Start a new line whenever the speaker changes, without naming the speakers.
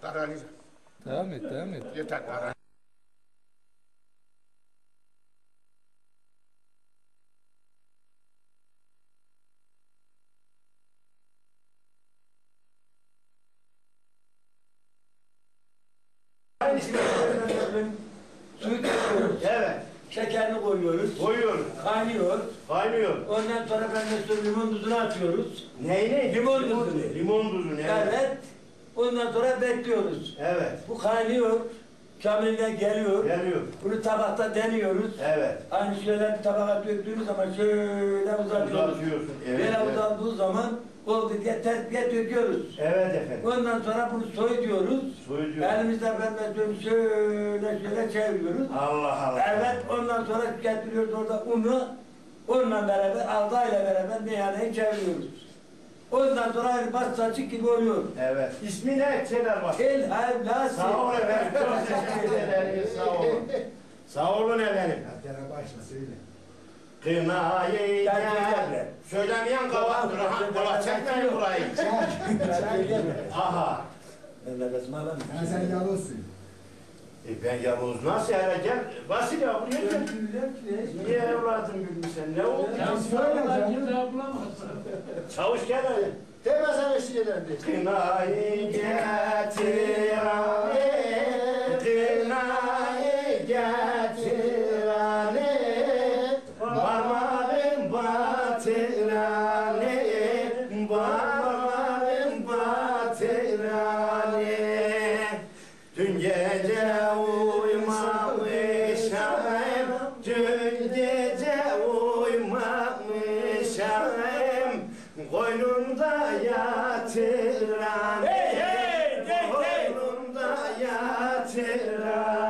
Kararlı.
Devam et, devam et.
Yeter kararlı.
Suyu döküyoruz.
Evet.
Şekerini koyuyoruz.
Koyuyoruz.
Kaynıyor.
Kaynıyor.
Ondan sonra ben de limon tuzunu atıyoruz.
Neyle?
Limon tuzunu.
Limon tuzunu.
Evet. Ondan sonra bekliyoruz.
Evet.
Bu kaynıyor. Kamilinden geliyor.
Geliyor.
Bunu tabakta deniyoruz.
Evet.
Aynı şeyler bir tabağa döktüğümüz zaman şöyle uzatıyoruz.
Uzatıyorsun. Evet.
Böyle
Evet.
uzandığı zaman oldu diye terbiye döküyoruz.
Evet efendim.
Ondan sonra bunu soyuyoruz.
Soyuyoruz.
Elimizde ben şöyle çeviriyoruz.
Allah Allah.
Evet, ondan sonra getiriyoruz orada unu, unla beraber, aldayla beraber meyhaneyi çeviriyoruz. Ondan sonra aynı pastacık gibi oluyor.
Evet. İsmi ne? Şeyler var.
El havlası.
Sağ olun efendim. Çok teşekkür ederim. Sağ olun. Sağ olun efendim.
Hatta başla söyle.
Kınayı
Gel,
gel.
gel.
Söylemeyen kavaktır. Ha, kava çekmeyin burayı. Aha.
Ben nefesimi alamıyorum.
Yani sen yalnızsın.
Ben Yavuz nasıl hele gel. Vasil ya buraya gel. Niye evladım gülmüşsen? Ne oldu? Çavuş gel hadi.
Demesene şeylerdi.
Kınayı getir anne, kınayı getir anne, parmağım batır anne, parmağım batır anne. Dün gece uyumamışam, dün gece uyumamışam, koynumda yatıran, koynumda yatıran.